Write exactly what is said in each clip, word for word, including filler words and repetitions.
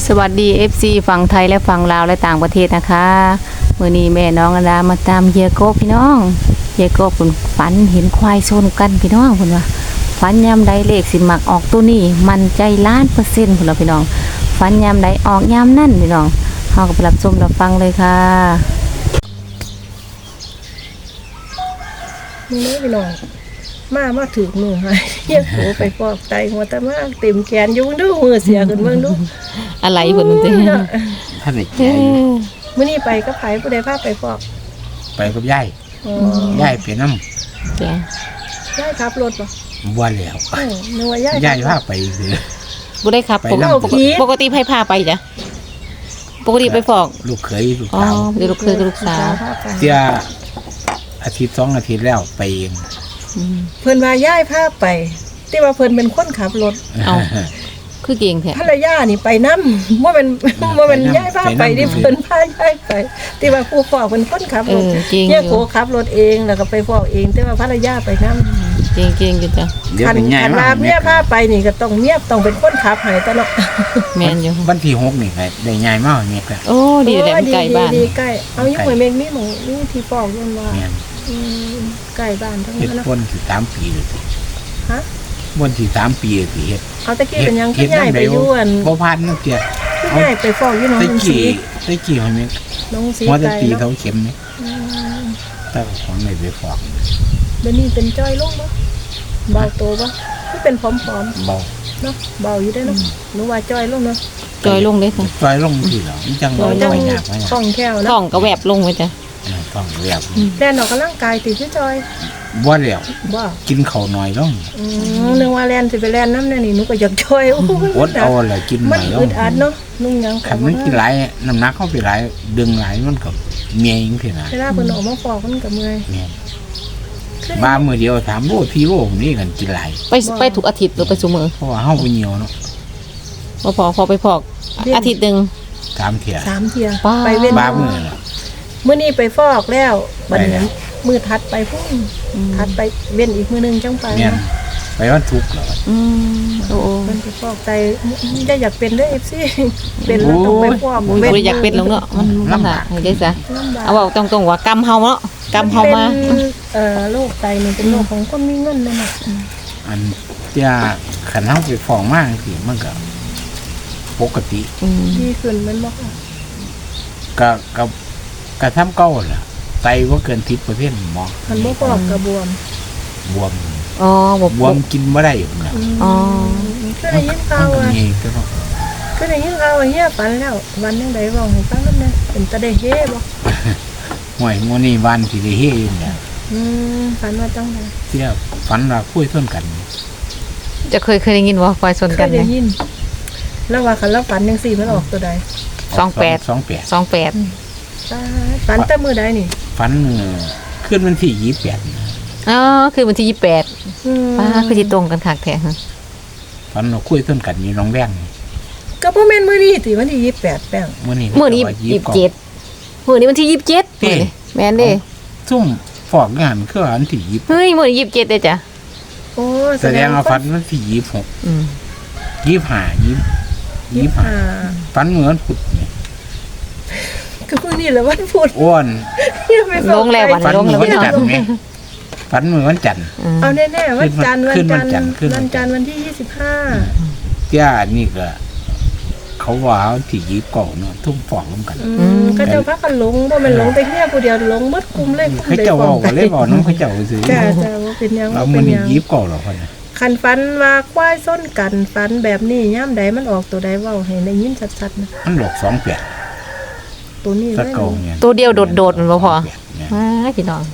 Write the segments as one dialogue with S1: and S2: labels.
S1: สวัสดี เอฟ ซี ฝั่งไทยและฝั่งลาวและต่างประเทศนะคะมื้อนี้แม่น้องอดามาตามเฮียโกพี่น้องเฮียโกเพิ่นฝันเห็นควายชนกันพี่น้องเพิ่นว่าฝันยามใดเลขสิมักออกตัวนี้มันใจล้านเปอร์เซ็นต์พุ่นล่ะพี่น้องฝันยามใดออกยามนั้นพี่น้องเฮาก็ไปรับชมรับฟังเลยค่ะ
S2: นี่พี่น้องมามาถือมือให้เฮียโกไปฟอกไตหัวตะมากเต็มแขนอยู่ดูมือเสียขึ้นเบิ่งดู
S1: อะไรเพิ่นติ
S3: ท่านไอ้แก่อยู่
S2: มื้อนี้ไปกับไผผู้ใดพาไปฟอก
S3: ไปกับยาย
S2: อ๋อย
S3: ายไปนำ
S1: จ้ะ
S2: ยายขับรถบ่
S3: บ่แล้ว
S2: เออนึกว่ายาย
S3: ยายพาไปเด้อ
S1: บ่ได้ครับปกติไผพาไปจ้ะปกติไปฟอก
S3: ลูกเขยลูก
S1: อ๋อ
S3: สาว
S1: ลูกเคยกับลูกสาว
S3: เสียอาทิตย์สองอาทิตย์แล้วไปเอง
S2: เพิ่นว่ายายพาไปที่ว่าเพิ่นเป็นคนขับรถ
S1: เอ้าคือเก่งแท้
S2: ภรรยานี่ไปนำบ่เป็นบ่เป็นยายพาไปนี่เพิ่นพายายไปที่ว่าผู้ฟอกเพิ่นคนขับรถเฮียโกขับรถเองแล้วก็ไปฟอกเองแต่ว่าภรรยาไปนำ
S1: เก่งๆอยู่จ้ะ
S2: คันคันลาเมียพาไปนี่ก็ต้องเมียต้องเป็นคนขับให้ตลอด
S1: แม่นอยู่
S3: วันที่หกนี่ก็ได้ย้ายมาเนี่ยก็
S1: โอ้ดีแหละใกล้บ้าน
S2: ดีใกล้เอาอยู่ห้วยเมฆนี่หม่องนี่ที่ฟอกยังว่าอืมใกล้บ้านทั้งนั้น
S3: เฮ็ดคนสิสามปีเลย
S2: ฮะ
S3: บ่สิสามปีสิเฮ็ด
S2: เอาตะกี้เป็นยังคือย้ายไปอยู่อัน
S3: บ่ผ่านนักเที่ย
S2: คือย้ายไปฟอกอยู่หนองลุงศรี
S3: ตะกี้ห้วยเมฆ
S2: น้องศรี
S3: หัวตะตีเท่าเข็มนี่แต่ของไหนไปฟอก
S2: เดี๋ยวนี้เป็นจ้อยลงบ่เบาโตบ่คือเป็นผอม
S3: ๆเบา
S2: เนาะเบาอยู่ได้เนาะหนูว่าจ้อยลงเนาะ
S1: จ้อยลงเด้ค่ะ
S3: จ้อยลงสิเหรอมันจังบ่ยากไว้
S2: ท้องแค่วนะ
S1: ท้องก็แวบลงไว้จ้ะ
S3: ท้องแวบ
S2: แล่นออกกำลังกายติคือจ้อย
S3: บ่แล้ว
S2: บ่
S3: กินข้าวน้อยลง
S2: อือนึกว่าแล่นสิไปแล่นนำแน่นี่หนูก็อยากจ้อยโอ้
S3: อดเอาแหละกินน้อยลง
S2: มันอึดอัดเนาะนุ่งหยัง
S3: คันมันกินหลายน้ำหนักเข้าไปหลายดึงหลายมันก็เมียจังซี่นะ
S2: เวลาเพิ่นออกมาฟอกมันก็เมื่อย
S3: แม่นมามื้อเดียวถามโอ้พี่โอ้นี่กันกินหลาย
S1: ไปไปทุกอาทิตย์หรือไปซุมื้อ
S3: เพราะว่าเฮาบ่เหี่ยวเนาะ
S1: บ่พอพอไปพอกอาทิตย์นึง
S3: สามเที่ย
S2: สามเที่ย
S1: ไป
S2: เว้น
S3: บามื้อน่ะ
S2: มื้อนี้ไปฟอกแล้วบัดนี้มื้อถัดไปพุ่นถัดไปเว้นอีกมื้อนึงจังไป
S3: เนาะไปวันศุกร์เหรอ
S1: อืมโอ้
S2: มันไปฟอกไตได้อยากเป็นเด้อ เอฟ ซี เป็นแล้วต้องไปฟอก
S1: เว้นอยากเป็นแล้วเนาะมันลำบากให้ได้ซะเอาเว้าตรงๆว่ากรรมเฮาเนาะกรรมเฮามา
S2: เอ่อโรคไตนี่เป็นโรคของคนมีเงินนั่นน่ะ
S3: อันเที่ยคันเฮาไปฟอกมาสิมันก็ปกติ
S2: ดีขึ้นมันบ่ค่ะ
S3: ก็ก็ก็ทำเก่าล่ะไตบ่เกิน สิบเปอร์เซ็นต์ หมอ
S2: มันบ่ฟอกก็บวม
S3: บวม
S1: อ๋อบ
S3: วมกินบ่ได้อยู่น่ะ
S1: อ๋อ
S2: คือได้ยินข่าวว่าคือได้ยินข่าวว่าเฮียฝันแล้ววันจังได๋เว้าให้ฟังนำแน่เป็นตาได้เฮบ่
S3: ห่วยมื้อนี้วันสิได้เฮอยู่เนี่ย
S2: อืมฝันว่าจังได๋
S3: เที่ยฝันว่าคุยชนกัน
S1: จะเคยเคยได้ยินบ่คุยชนกัน
S2: ได้ยินแล้วว่าคันเราฝันจังซี่มันออกตัวใด
S1: สองแปด
S3: สองแปด
S1: สองแปด
S2: ฝันแต่มื้อใดนี่
S3: ฝันคืนวันที่ยี่สิบแปด
S1: อ๋อคือวันที่ยี่สิบแปดอืมป้าคือสิตรงกันคักแท้ฮะ
S3: ฝันเราคุยต้นกันอยู่หนองแวง
S2: ก็บ่แม่นมื้อนี้ติวันที่ยี่สิบแปดแป้ง
S3: มื้อนี้
S1: มื้อนี้ยี่สิบเจ็ดมื้อนี้วันที่ยี่สิบเจ็ดมื้อนี้แม่นเด้
S3: ซุ่มฟอกงานคือวันที่ยี่สิบ
S1: เฮ้ยมื้อนี้ยี่สิบเจ็ดเด้จ้ะ
S2: โอ้
S3: แสดงว่าฝันวันที่ยี่สิบหกอืมยี่สิบห้า ยี่สิบห้าฝันเหมือนพุธนี่
S2: ก็มื้อนี้แหละวันพุธ
S3: อ้วน
S1: ลงแล้ววันลงแล้ว
S3: วันจันทร์มั้ยฝันเหมือนวันจันทร์
S2: เอาแน่ๆวันจันทร์วันจันทร์วันจันทร์วันที่ยี่สิบห้า
S3: เจ้านี่ก็เขาว่าที่ยี่สิบเก้าเนาะทุ่มฟอกร่วมกัน
S2: อืมก็เจ้าพากันหลงบ่แม่นหลงแต่เฮียผู้เดียวหลงหมดกลุ่มเลย
S3: เขาเจ้าเว้าก็เลยเว้านำเขาเจ้าซื่อ
S2: จ้าจ้าบ่เป็นหยัง
S3: บ่เป็นหยังยี่สิบเก้าหรอกเพิ่น
S2: คันฝันว่าควายส้นกันฝันแบบนี้ยามใดมันออกตัวใดเว้าให้ได้ยินชัดๆนะ
S3: มันหลอกสองแปด
S2: ตัวนี้เลย
S1: ตัวเดียวโดดๆมันบ่พออ่าพี่น้อง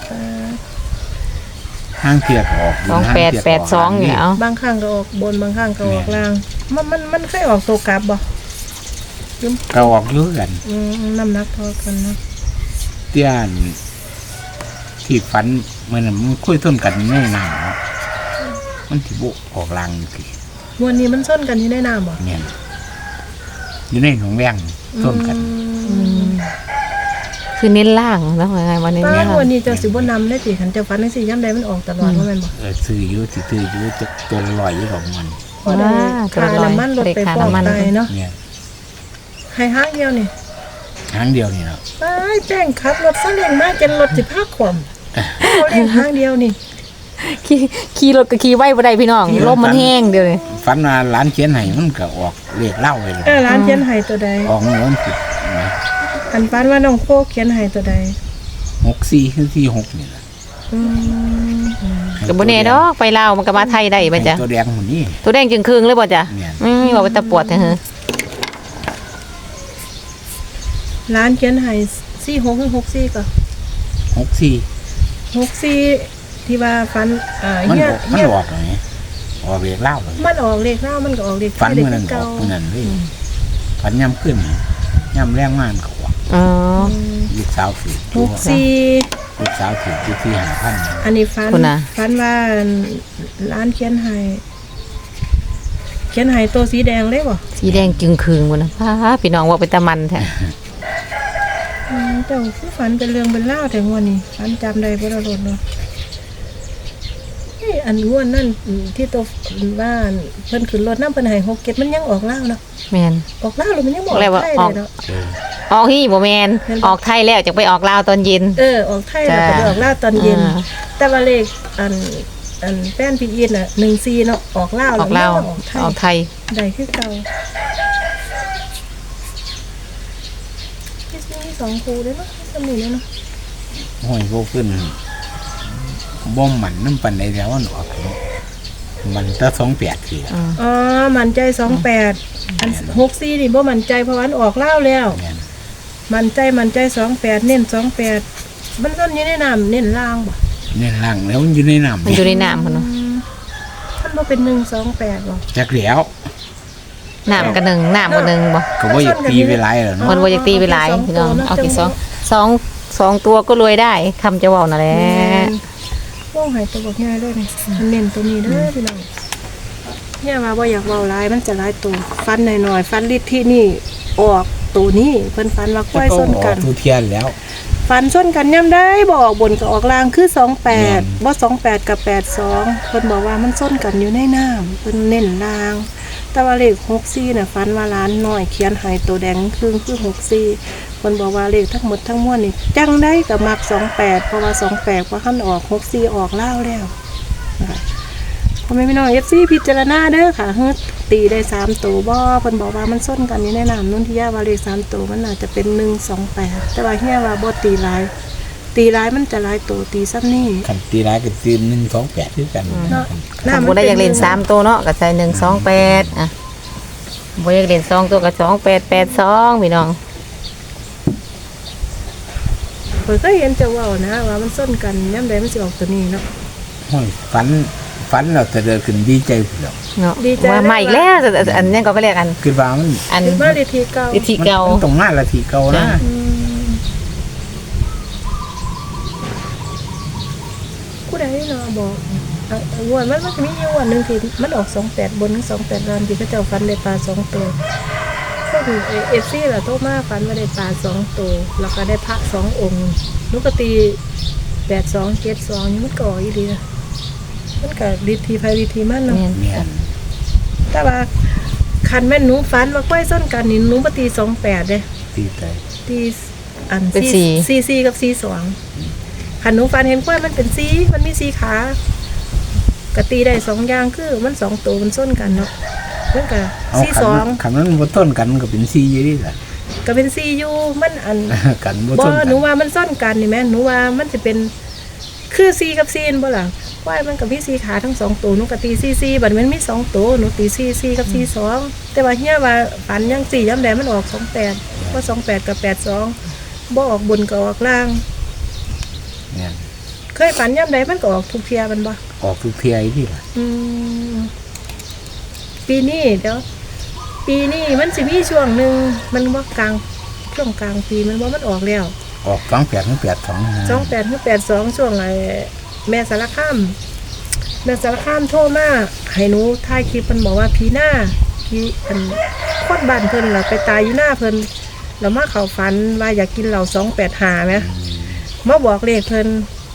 S3: ห้างเทียบออก
S1: สองแปด แปดสองเนี่ยเอา
S2: บางครั้งก็ออกบนบางครั้งก็ออกล่างมันมันมันเคยออกตัวกลับบ่
S3: ก็ออกเยอะกัน
S2: อืมน้ำหนักเท่ากันนะ
S3: เตี้ยนที่ฝันมันมันคุยต้นกันแน่นอนเนาะมันสิบ่ออกล่างสิ
S2: วันนี้มันส้นกันที่ได้น้ำบ่
S3: เนี่ยอยู่ในหนองแวงต้นกัน
S1: คือเน้นล่างแล้วไงวันนี้
S2: เนี่ยวันนี้เจ้าสิบ่นำได้สิคันเจ้าฝันจังซี่ยามใดมันออกตลอดว่าแม่นบ่
S3: เออซื้ออยู่สิซื้ออยู่จะตัวลอยอยู่ของมัน
S2: พอได้ค่าน้ำมันลดไปฟอกไตเนาะ
S3: เนี่ย
S2: ให้ห้างเดียวนี่
S3: หางเดียวนี่เนาะ
S2: ไปแป้งขับรถซาเล้งมาจนรถสิพาขวมเขาเล่นห้างเดียวนี่
S1: ขี่ขี่รถก็ขี่ไว้บ่ได้พี่น้องลมมันแห้งเดี๋ยวนี้
S3: ฝันว่าหลานเขียนให้มันก็ออกเลขเล่าไปเลย
S2: เออร้านเขียนให้ตัวใด
S3: ออกเงินผิดนะ
S2: อันปานว่าน้องโคเขียนให้ตัวใด
S3: หกสี่คือสี่หกนี่แหละ
S2: อืม
S1: ก็บ่แน่ดอกไปลาวมันก็มาไทยได้บ่จ้ะ
S3: ตัวแดงหมดนี่
S1: ตัวแดงจึงครึ่งเลยบ่จ้ะ
S3: เนี่ย
S1: อืมว่าตะปวดแท้เหรอ
S2: ร้านเขียนให้สี่หกหรือหกสี่ก็
S3: หกสี่
S2: หกสี่ที่ว่าฟันอ่า
S3: มัน
S2: เฮีย
S3: ออกมัน
S2: เฮีย
S3: ออกเลยออกเลขเล่าเลย
S2: มันออกเลขเล่ามันก็ออกเลข
S3: ฝัน
S2: เลข
S3: เมื่อนั้นอ
S2: เก่า
S3: อกเมื่อนั้นเลยฝันย่ำขึ้นย่ำแรงมากก็ออก
S1: อ๋อ
S3: ลูกสาวถือ
S2: หกสี่
S3: ลูกสาวถือที่ที่หาพัน
S2: อันนี้ฟัน
S1: คุณน่ะ
S2: ฟันว่าร้านเขียนให้เขียนให้ตัวสีแดงเลยบ่
S1: สีแดงจึงครึ่งบ่นะพาพี่น้องว่าเป็นตะมันแท้
S2: อืมเจ้าคือฝันเป็นเรื่องเป็นเล่าวแต่งวันนี้ฝันจำได้บ่ละลดเนาะเอ้ยอันงวนนั่นอืมที่ตัวบ้านเพิ่นขึ้นรถน้ำเพิ่นให้หกเก็ดมันยังออกเล่าวเนาะ
S1: แม่น
S2: ออกเล่าวหรือมันยังบ่ออก
S1: แล้วว่า
S2: ไทย
S1: อ
S2: เล
S1: อก
S2: ยเนาะ
S1: ออกฮี่บ่แม่นออกไทยแล้วจักไปออกลาวตอนเย็น
S2: เออออกไทยแล้วก็ไปออกเล่าวตอนเย็น
S1: อ่า
S2: แต่ว่าเลขอันอันแป้นพี่อีทน่ะหนึ่งซีเนาะออกเล่าว
S1: ออกลาว
S2: แมันยังออกไทย
S1: ออกไทย
S2: ได้คือเก่าที่มีสองครูด้วยเนาะที่สมีเลยเนาะ
S3: ห้อยโบขึ้นบ่มมันน้ำปันในแถวมันออกเนาะมันจะสองแปดทีละ
S1: อืม
S2: อ๋อมันใจสองแปดอันหกซีนี่บ่มันใจเพราะวาอันออกเล่าวแล้ว
S3: เนี่ย
S2: มันใจมันใจสองแปดเน้นสองแปดมันต้นอยู่ในน้ำเน้นล่างบ่
S3: เนี่ยล่างแล้วมันอยู่ในน้ำ
S1: มันอยู่ในน้ำพุ่นเนาะ
S2: ท่านบ่เป็นหนึ่งสองแปดบ่
S3: จักแล้ว
S1: น้ำก็หนึ่งน้ำก็หนึ่งบ่
S3: ก็ว่าอยากตีไปหลายแล้วเนาะ
S1: มันบ่อยากตีไปหลายพี่น้องเอากี่สองสองสองตัวก็รวยได้คำจะเว้านั่นแหละ
S2: ว่องหายตัวบอกง่ายเลยนี่มันเน้นตัวนี้เด้อพี่น้องเนี่ยว่าบ่อยากเว้าหลายมันจะหลายตัวฟันหน่อยๆฟันลิดที่นี่ออกตัวนี้เพิ่นฟันว่าควายส้นกัน
S3: ทุเทียนแล้ว
S2: ฟันส้นกันย่ำได้บ่ออกบนก็ออกล่างคือสองแปด
S3: อืม
S2: บ่สองแปดกับแปดสองเพิ่นบอกว่ามันส้นกันอยู่ในน้ำเพิ่นเน้นล่าง แต่ว่าเลขหกสี่น่ะฟันว่าล้านน้อยเขียนให้ตัวแดงครึ่งคือหกสี่เพิ่นบอกว่าเลขทั้งหมดทั้งมวลนี่จังได้กับมักสองแปดเพราะว่าสองแปดว่าคันออกหกสี่ออกล่าวแล้วนะคะพ่อแม่พี่น้อง เอฟ ซี พิจารณาเด้อค่ะเฮ็ดตีได้สามตัวบ่เพิ่นบอกว่ามันส้นกันอยู่ในน้ำนุ่นที่ย่าว่าเลขสามตัวมันน่าจะเป็นหนึ่งสองแปดแต่ว่าเฮียว่าบ่ตีหลาย ตีหลายมันจะหลายตัวตีซ้ำนี่
S3: ขันตีร้ายกับตีหนึ่งสองแปดด้วยกัน
S2: เนาะ
S1: ถ้าบ่ได้อยากเล่นสามตัวเนาะก็ใส่หนึ่งสองแปดอ่ะบ่อยากเล่นสองตัวก็สองแปดแปดสองพี่น้อง
S2: เพิ่นก็เห็นจะเว้านะว่ามันส้นกันย่ำใดมันสิออกตัวนี้เนาะ
S3: ห้อยฝันฝันเราจะเดินขึ้นดีใจเปล่า
S1: เนาะ
S2: ดีใจ
S1: ว่ามาอีกแล้วอันนี้ก็เรียกอัน
S3: คือว่ามัน
S1: อัน
S2: คิดว่าเลขที่เก่า
S1: วิธีเก่า
S3: มันตรงหน้าละทีเก่านะ
S1: จ้ะ
S2: อืมผู้ใดเนาะบอกอ่ะงวดมันมันจะมีอยู่วันหนึงที่มันออกสองแปดบนสองแปดล่างที่พระเจ้าฟันได้ปลาสองตัวก็คือเอฟซีล่ะโตมาฟันว่าได้ปลาสองตัวแล้วก็ได้พระสององค์นุกตีแปดสองเจ็ดสองนี่มันก่ออีดีนะมันก็ดีทีไฟดีทีมันเนาะ
S1: แม่น
S3: เนี่ย
S2: แต่ว่าคันแม่นหนูฟันว่าก้อยส้นกันนี่หนูปตีสองแปดเลย
S3: ตีใจ
S2: ตีอัน
S1: เป็นสี่
S2: ซีซีกับซีสองคันหนูฟันเห็นก้อยมันเป็นซีมันมีซีขากะตีได้สองอย่างคือมันสองตัวมันส้นกันเนาะมันก็
S3: เอา
S2: ซี
S3: ขั
S2: สอง
S3: นขันนั้นบนต้นกันมันก็เป็นซีอยู่ดีแหละ
S2: ก็เป็นซีอยู่มันอัน
S3: กันบน
S2: บ่
S3: ต้นกั
S2: หนูว่ามันส้นกันนี่แม่หนูว่ามันจะเป็นคือซีกับซีนบ่ล่ะก้อยมันกับพี่ซีขาทั้งสองตัวหนูก็ตีซีซีบัดมันมีสองตัวหนูตีซีซีกับซีสองแต่ว่าเฮียว่าฝันยังสี่ย้ำแดงมันออกสองแปดว่าสองแปดกับแปดสองบ่ออกบนก็ออกล่าง
S3: เนี่ย
S2: เคยฝันย่ำใดมันก็ออกทุกเทียมันบ่
S3: ออกทุกเทียที่ละ
S2: อืมปีนี้เดี๋ยวปีนี้มันสิมีช่วงหนึ่งมันว่ากลางช่วงกลางปีมันว่ามันออกแล้ว
S3: ออกสองแปดถึงแปดสอง
S2: สองแปดถึงแปดสองช่วงไอ้แม่สารคามแม่สารคามโทรมาให้หนูถ่ายคลิปมันบอกว่าพีหน้าพีอันโคตรบ้านเพิ่นล่ะไปตายอยู่หน้าเพิ่นแล้วมาเขาฝันว่าอยากกินเหล่าสองแปดหาไหมมาบอกเลขเพิ่น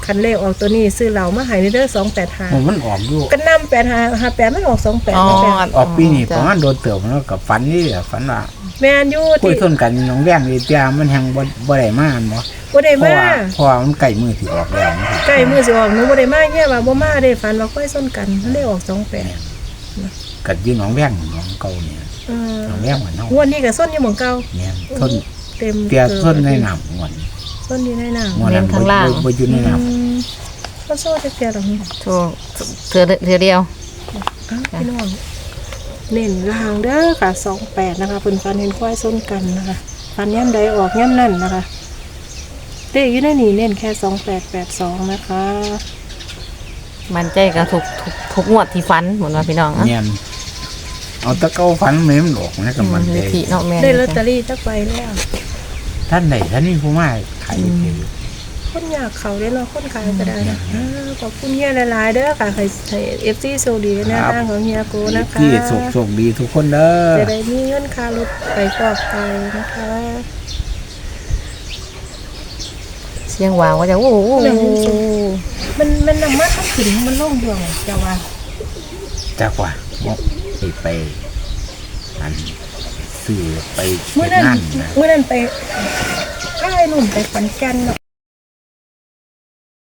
S2: คันเลขออกตัวนี้ซื้อเหล่ามาใหายในเด้อสองแปดห้า
S3: มันออกอยู่
S2: ก็นำแปดห้าห้าแปดมันออกสองแปด
S1: อ๋อ
S2: แปด
S3: ออกปีนี้ประมาณโดนเติบแล้วกับฝันนี่แหละฝันว่า
S2: แม่นอยู่
S3: คุย
S2: ที่
S3: ทนกันน้องแว่งอีเตียมันแหงบ่บ่ได้มาอันบ่
S2: บ่ได้
S3: เพราะ
S2: มา
S3: ว่าเพราะว่ามันใกล้มือที่ออกแล้วมันสิ
S2: ใกล้มือสิออกหนูบ่ได้มาแค่ว่าบ่มาได้ฝันว่าค่อยส้นกันมันได้ออกสองแปด
S3: กัดยืนน้องแว่งน้องเก่าเนี่ย
S2: เออ
S3: น้องแว่งเหมือนน้อง
S2: งวดนี้ก็ส้นอยู่หม่องเก่า
S3: เนี่ยทน
S2: เต็ม
S3: เตีย
S2: กิ
S3: ทนในน้ำงวด
S2: ส้นอยู่ในน้ำ
S3: งวดนั้น
S1: เน้นข้างล่าง
S3: บ่บ่อยู่ในน้
S2: อืมก็โซ่จะเตียหรอก
S1: ถูกเถื่อเถื่อเดียว
S2: อ้าวพี่น้องเน้นลางเด้อค่ะสองแปดนะคะเพิ่นฟันเห็นควายส้นกันนะคะฟันย่ำใดออกย่ำนั่นนะคะเลขอยู่ในนี่เน้นแค่สองแปดแปดสองนะคะ
S1: มันใจกับทุกทุกทุกงวดที่ฟันเหมือนว่าพี่น้อง
S3: ำ
S1: อ่ะ
S3: เนี่ยเอาตะเกาฝันแม่มันออกนะกับมัน
S1: วิ
S3: ได้
S1: ธีเนาะแม่
S2: ได้ลอตเตอรี่จักใบแล้ว
S3: ท่านไหนท่านนี้ผู้มาขายอยู่
S2: คนอยากเขาได้เนาะคนขายก็ได้นะอ่าขอบคุณเฮียหลายๆเด้อค่ะให้ให้เอฟซีโซดีในทางของเฮียโกนะคะ
S3: ที่สุขสุขดีทุกคนเด้อ
S2: จะได้มีเงินค่ารถไปฟอกไตนะคะ
S1: เสียงวาวก็จะโอ้โห
S2: มันมันนำมาทับถึงมันล่องดวงจะว่า
S3: จักว่าหมกไปไปอันซื้อไป
S2: เมื่อ
S3: เฮ็ด
S2: นั้น
S3: งานนะ
S2: เมื่อนั้นไปค่ายนุ่นไปขอนแก่นเนาะ